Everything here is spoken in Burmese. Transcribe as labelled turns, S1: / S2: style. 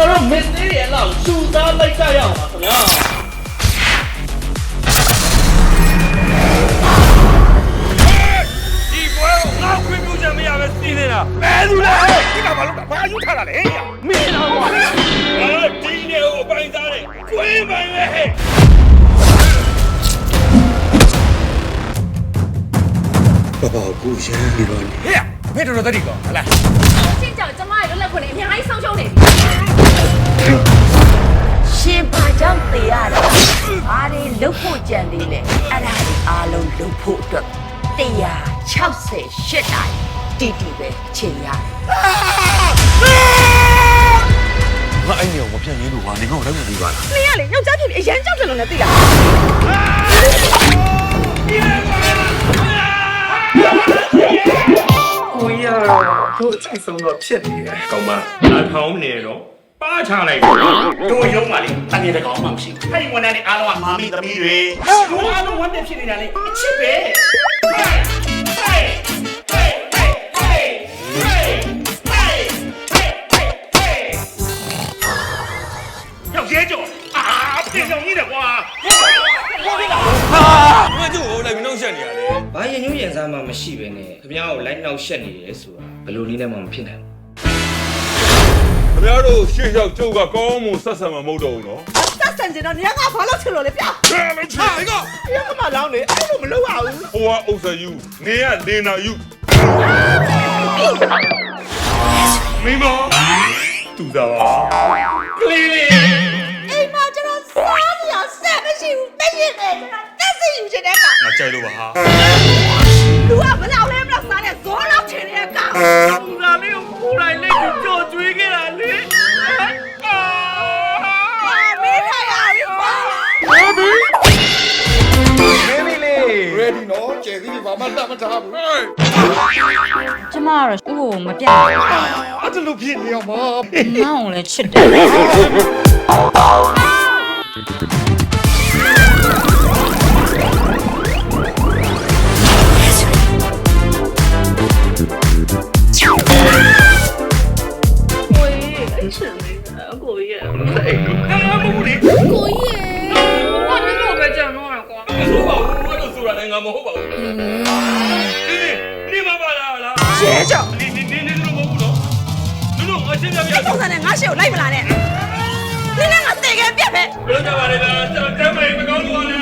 S1: တို့မင်းသေးရဲ့လောက်စူသားလိုက်ကြရအောင်ပါခင်ဗျာ
S2: ဒီကွယ်ငါခွင့်ပြုချက်မရပဲစီးနေတာဘယ်သူလဲဒီကဘာလို့ဘာယူထားတာလဲမင်းတော့ကွာဒီနေကိုအပိုင်စားတယ်ခွင့်ပိုင်ပဲဟဲ့
S3: 爸爸，故乡里边。
S2: ဟဲ့ဘယ်တော်တော်တည်းကောဟလား
S4: ရှင်းကြောင်ကျမရဲ့လွတ်လပ်ခွင့်တွေအများကြီးဆုံးရှုံးနေပြီရှင်ဘာကြောင့်တေးရတာအားတွေလုတ်ဖို့ကြံသေးလေအဲ့ဒါတွေအားလုံးလုတ်ဖို့အတွက်168တိုင်တီတီပဲချိန်ရတယ်
S3: 我爱你，我骗你，路啊！你看我来不及吧？
S4: နင်ကလေယောက်ျားဖြစ်ပြီးအရန်ကြောက်တယ်လို့လည်းသိတာ
S2: ကိုရတို့အချိန်ဆုံးတော့ဖြစ်နေတယ်ကောင်းမလာထောင်းနေတော့ပါချလိုက်တယ်တို့ရုံးပါလေတန်ရတဲ့ကောင်မှမရှိဘူးအဲ့ဒီဝန်ထမ်းတွေအားလုံးကမာမီသမီးတွေတို့အားလုံးဝန်ထမ်းဖြစ်နေတာလေအချစ်ပဲရောက်ရဲကြောအာပြင်ဆောင်ကြီးတယ်ကွာ
S3: 我就我来没弄想你啊嘞。
S5: ဘာရင်ညွှန်းရင်စားမှမရှိပဲနဲ့ခင်ဗျားကိုလိုက်နှောက်ရှက်နေတယ်ဆိုတာဘယ်လိုနည်းနဲ့မှမဖြစ်နိုင်ဘူး
S3: ခင်ဗျားတို့ရှေ့ရောက်ကျုပ်ကကောင်းမှုဆက်ဆံမှာမဟုတ်တော့ဘူးနော်
S4: ဆက်ဆံကြတော့နင်ကဘာလို့ချင်လို့လဲပြ
S3: ။ဘယ်လိုချင်လဲက
S4: ရကမလောင်းလေအဲ့လိုမလုပ်ရဘူး
S3: ဟိုကအုပ်စယူနေရလင်နာယူမိမတူတာပါကလေးလေး
S4: အိမ်မှာကျွန်တော်စားနေရဆက်မရှိဘူးတည့်ရတယ်ကျွန်တော်တက်စီယူချင်တဲ့ကောင်
S3: ငါကြိုက်လို့ပါဟာ
S4: လူကမလောက်လဲမလောက်စားတဲ့ဇောလောက်ချင်တဲ့ကောင်
S2: သူကလေးကိုကိုယ်တိုင်လေးကိုကြော်ကျွေးခဲ့တာလေ
S4: မင်းထိုင်ရပြီကွာ
S3: ready နော်ကျယ်သီးဒီဘာမှတတ်မထားဘူး
S6: ကျမကတော့ဥကိုမပြတ်ဘူး
S3: အဲ့ဒါလို့ဖြစ်နေအောင်ပါ
S6: ။မောင်လည်းချစ်တယ်။
S2: ကိုကြီးဘာမဟုတ်လေ
S4: ကိုကြီးရေဘာလို့ပဲကြံတော့ရကွာ
S2: မဟုတ်ပါဘူးဘာလို့ဆိုတာလဲငါမဟုတ်ပါဘူးနေမပါလား
S4: ရဲကြောင့်
S2: နေလို့မဟုတ်ဘူးနော်တို့အချင်းများများ
S4: ပုံစံနဲ့ငါရှေ့ကိုလိုက်မလာနဲ့နင်ကငါတေခဲ့ပြက်ပဲ
S2: ဘယ်လိုကြပါလဲလားကျွန်တော်တမ်းမမကောင်းလို့ပါလေ